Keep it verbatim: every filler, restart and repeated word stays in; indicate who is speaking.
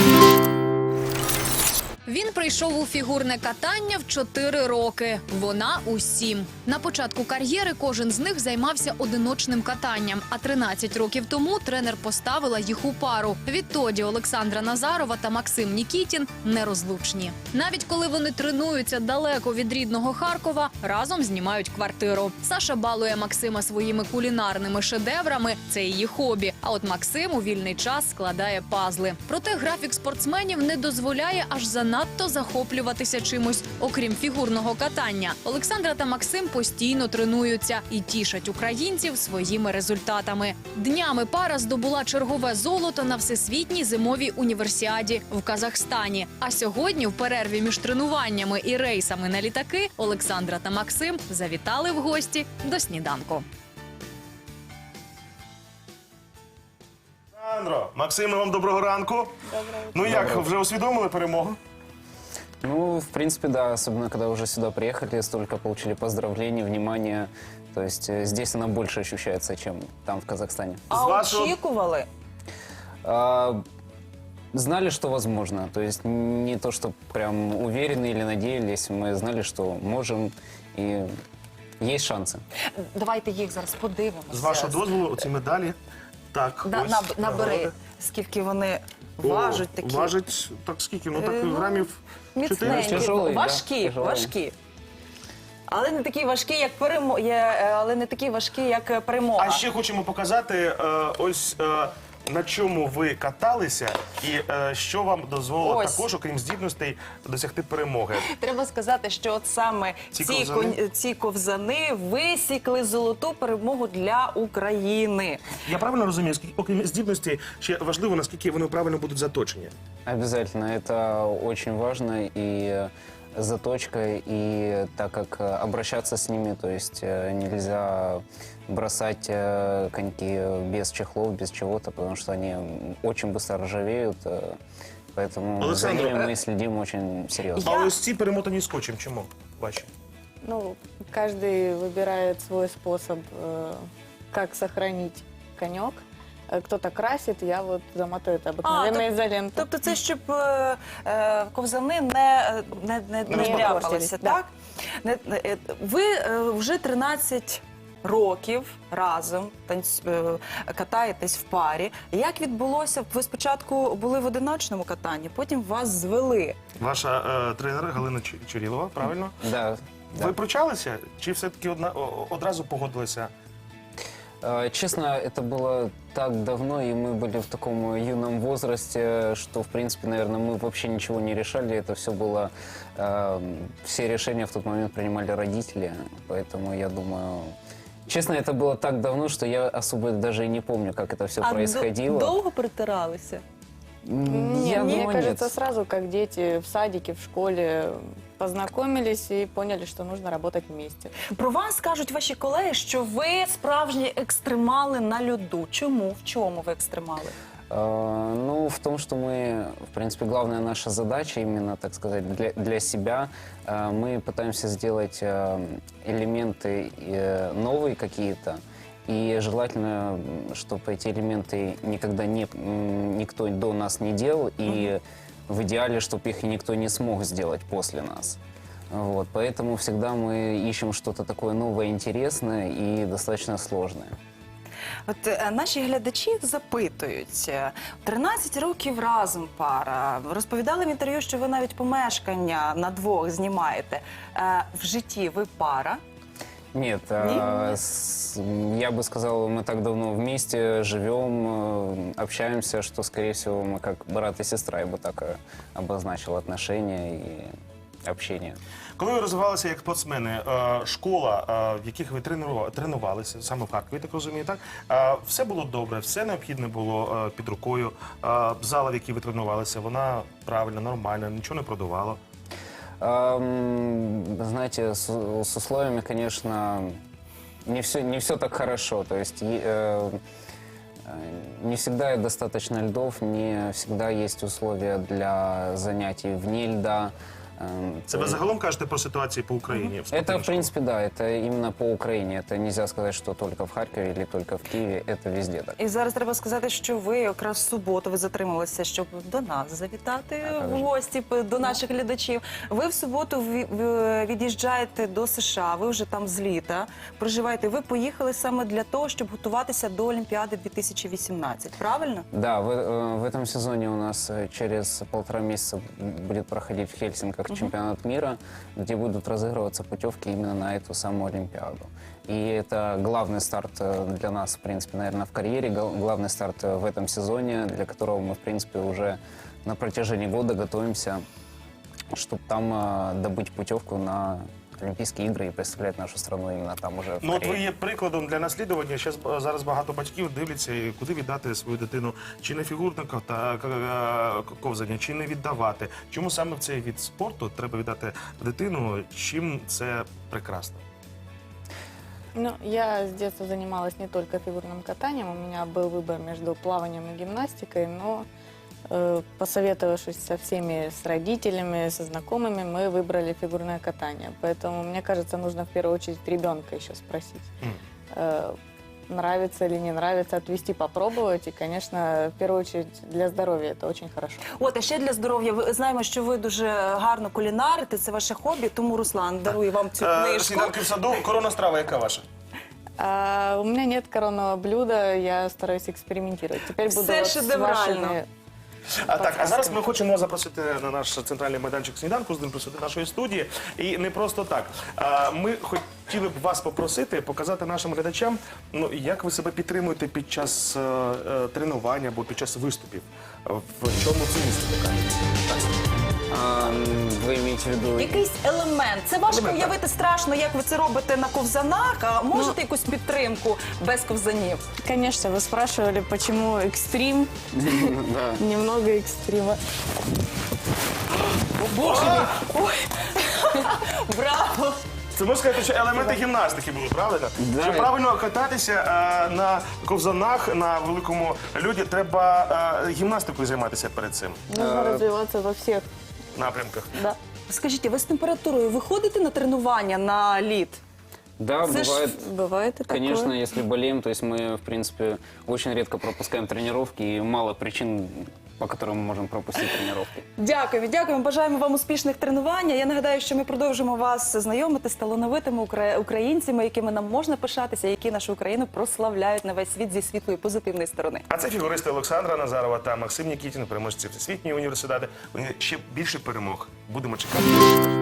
Speaker 1: Він прийшов у фігурне катання в чотири роки, вона у сім. На початку кар'єри кожен з них займався одиночним катанням, а тринадцять років тому тренер поставила їх у пару. Відтоді Олександра Назарова та Максим Нікітін нерозлучні. Навіть коли вони тренуються далеко від рідного Харкова, разом знімають квартиру. Саша балує Максима своїми кулінарними шедеврами – це її хобі. А от Максим у вільний час складає пазли. Проте графік спортсменів не дозволяє аж занадто надто захоплюватися чимось, окрім фігурного катання. Олександра та Максим постійно тренуються і тішать українців своїми результатами. Днями пара здобула чергове золото на всесвітній зимовій універсіаді в Казахстані. А сьогодні, в перерві між тренуваннями і рейсами на літаки, Олександра та Максим завітали в гості до сніданку.
Speaker 2: Олександро, Максиме, вам доброго ранку.
Speaker 3: Доброго.
Speaker 2: Ну як, вже усвідомили перемогу?
Speaker 4: Ну, в принципе, да, особенно когда уже сюда приехали, столько получили поздравлений, внимания. То есть э, здесь она больше ощущается, чем там, в Казахстане.
Speaker 3: А
Speaker 2: вашого-
Speaker 3: очікували?
Speaker 4: А, знали, что возможно. То есть не то, что прям уверены или надеялись. Мы знали, что можем и есть шансы.
Speaker 3: Давайте їх зараз подивимося.
Speaker 2: З вашого дозволу, оці медалі. Так,
Speaker 3: Да,
Speaker 2: ось.
Speaker 3: наб- набери,
Speaker 2: нагороди.
Speaker 3: скільки вони
Speaker 2: О,
Speaker 3: важать такі.
Speaker 2: Важить, так скільки? Ну так
Speaker 3: Е, ну,
Speaker 2: грамів чотириста.
Speaker 3: Міцненькі,
Speaker 4: Тяжелий, да,
Speaker 3: важкі,
Speaker 4: тяжелий.
Speaker 3: важкі. Але не такі важкі, як перемо... є, але не такі важкі, як е, перемога.
Speaker 2: А ще хочемо показати, е, ось е, на чому ви каталися і е, що вам дозволило
Speaker 3: Ось.
Speaker 2: також, окрім здібностей, досягти перемоги.
Speaker 3: Треба сказати, що от саме
Speaker 2: Ці
Speaker 3: ці,
Speaker 2: ковзани?
Speaker 3: кон- ці ковзани висікли золоту перемогу для України.
Speaker 2: Я правильно розумію, скільки, окрім здібностей, ще важливо, наскільки вони правильно будуть заточені?
Speaker 4: Обязательно. Это очень важно. И э, заточка, и так как э, обращаться с ними, то есть э, нельзя бросать э, коньки без чехлов, без чего-то, потому что они очень быстро ржавеют. э, Поэтому за
Speaker 2: Александр,
Speaker 4: ними
Speaker 2: э,
Speaker 4: мы следим очень серьезно.
Speaker 2: А ось ці перемотані скотчем, чому? Ваші?
Speaker 5: Ну, каждый выбирает свой способ, э, как сохранить конек. Э, Кто-то красит, я вот замотаю это обыкновенной
Speaker 3: тоб-
Speaker 5: изолентой.
Speaker 3: Тобто це щоб е, е, ковзани не, не, не, не
Speaker 5: Не
Speaker 3: ляпалися,
Speaker 5: портились,
Speaker 3: так? Не, не, е, ви е, вже тринадцять років разом танць, е, катаєтесь в парі. Як відбулося? Ви спочатку були в одиночному катанні, потім вас звели.
Speaker 2: Ваша е, тренер Галина Чу- Чурілова, правильно?
Speaker 4: Да. да.
Speaker 2: Ви пручалися? Чи все-таки одна, о- одразу погодилися?
Speaker 4: Э, Честно, это было так давно, и мы были в таком юном возрасте, что, в принципе, наверное, мы вообще ничего не решали. Это все было... э, все решения в тот момент принимали родители, поэтому я думаю... Честно, это было так давно, что я особо даже и не помню, как это все происходило.
Speaker 3: до- довго притиралися?
Speaker 4: М,
Speaker 5: Не,
Speaker 4: я
Speaker 5: мне
Speaker 4: думаю,
Speaker 5: кажется,
Speaker 4: нет.
Speaker 5: сразу, как дети в садике, в школе познакомились и поняли, что нужно работать вместе.
Speaker 3: Про вас кажуть ваші колеги, що ви справжні екстремали на льоду. Чому? В чому ви екстремали?
Speaker 4: Э, Ну, в том, что мы, в принципе, главная наша задача, именно, так сказать, для, для себя, э, мы пытаемся сделать э, элементы э, новые какие-то, и желательно, чтобы эти элементы никогда не, м, никто до нас не делал, и в идеале, чтобы их никто не смог сделать после нас. Вот, поэтому всегда мы ищем что-то такое новое, интересное и достаточно сложное.
Speaker 3: От е, наші глядачі запитують, е, тринадцять років разом пара, розповідали в інтерв'ю, що ви навіть помешкання на двох знімаєте. Е, В житті ви пара?
Speaker 4: Нет, а, с- я бы сказал, мы так давно вместе живем, э, общаемся, что, скорее всего, мы как брат и сестра, я бы так э, обозначил отношения и общение.
Speaker 2: Коли ви розвивалися як спортсмени, е, школа, е, в яких ви тренували- тренувалися, саме в Харкові, так розумію, так? Е, Все було добре, все необхідне було е, під рукою. Е, Зала, в якій ви тренувалися, вона правильна, нормальна, нічого не продувало.
Speaker 4: Ам, Знаете, с, с условиями, конечно, не все, не все так хорошо. То есть е- э, э, не всегда достаточно льдов, не всегда есть условия для занятий вне льда. Эм,
Speaker 2: Це ви загалом кажете про ситуацію по Україні? в
Speaker 4: Это,
Speaker 2: спортивних
Speaker 4: в принципе, да, это именно по Украине. Это нельзя сказать, что только в Харькове или только в Киеве. Это везде так.
Speaker 3: І зараз треба сказати, що ви якраз в суботу ви затрималися, щоб до нас завітати
Speaker 4: А,
Speaker 3: в
Speaker 4: так же.
Speaker 3: гості п- до наших глядачів. Ви в суботу ві- в- від'їжджаєте до США, ви вже там з літа проживаєте. Ви поїхали саме для того, щоб готуватися до Олімпіади дві тисячі вісімнадцять, правильно?
Speaker 4: Да, в, э, в этом сезоне у нас э, через полтора месяца будет проходить в Хельсинках чемпионат мира, где будут разыгрываться путевки именно на эту самую Олимпиаду. И это главный старт э, для нас, в принципе, наверное, в карьере, гол- главный старт э, в этом сезоне, для которого мы, в принципе, уже на протяжении года готовимся, чтобы там э, добыть путевку на Олимпийские игры и представлять нашу страну именно там уже в
Speaker 2: Ну, от
Speaker 4: Корее.
Speaker 2: ви є прикладом для наслідування. Щас, е, зараз багато батьків дивляться, і куди віддати свою дитину, чи на фігурне кота- к- е, ковзання, чи не віддавати. Чому саме в цей від спорту треба віддати дитину, чим це прекрасно?
Speaker 5: Ну, я с детства занималась не только фигурным катанием, у меня был выбор между плаванием и гимнастикой, но э, посоветовавшись со всеми, с родителями, со знакомыми, мы выбрали фигурное катание. Поэтому, мне кажется, нужно в первую очередь ребенка еще спросить,
Speaker 2: Мгм.
Speaker 5: э, нравится или не нравится, отвести, попробовать. И, конечно, в первую очередь для здоровья это очень хорошо.
Speaker 3: От, а ще для здоров'я. Ви знаємо, що ви дуже гарно кулінарите, це ваше хобі, тому Руслан дарує вам цю
Speaker 2: Е,
Speaker 3: книжку.
Speaker 2: Сніданки в саду, коронна страва, яка ваша?
Speaker 5: А, у меня нет коронного блюда, я стараюсь экспериментировать. Теперь буду
Speaker 3: Все
Speaker 5: вот с
Speaker 3: шедеврально.
Speaker 5: вашими...
Speaker 2: А так, а зараз ми хочемо запросити на наш центральний майданчик сніданку, з ним присутити нашої студії. І не просто так. А, Ми хотіли б вас попросити показати нашим глядачам, ну як ви себе підтримуєте під час е, е, тренування або під час виступів. В чому цінність така?
Speaker 4: А, м, вы имеете в виду...
Speaker 3: Якийсь елемент. Це важко
Speaker 2: Елемент, так.
Speaker 3: уявити страшно, як ви це робите на ковзанах. А можете якусь підтримку без ковзанів?
Speaker 5: Конечно, вы спрашивали, почему экстрим,
Speaker 4: Да.
Speaker 5: немного экстрима.
Speaker 3: О, Боже мій! Ой! Браво!
Speaker 2: Це можна сказати, що елементи гімнастики були, правильно?
Speaker 4: Да.
Speaker 2: Щоб правильно кататися е, на ковзанах на великому льоді, треба е, гімнастикою займатися перед цим
Speaker 5: Нужно развиваться во всех,
Speaker 2: напрямках.
Speaker 5: да.
Speaker 3: Скажіть, а ви з температурою виходите на тренування на лід?
Speaker 4: Да,
Speaker 3: Це ж
Speaker 4: бывает.
Speaker 5: Бывает и
Speaker 4: Конечно,
Speaker 5: такое.
Speaker 4: если болеем, то есть мы, в принципе, очень редко пропускаем тренировки, и мало причин, по которым мы можем пропустить тренировки.
Speaker 3: Дякую, дякуємо. Бажаємо вам успішних тренувань. Я нагадаю, що ми продовжимо вас знайомити з талановитими укра- українцями, якими нам можна пишатися, які нашу Україну прославляють на весь світ зі світлої позитивної сторони.
Speaker 2: А це фігуристи Олександра Назарова та Максим Нікітін, переможці Всесвітньої університету. Вони ще більше перемог. Будемо чекати.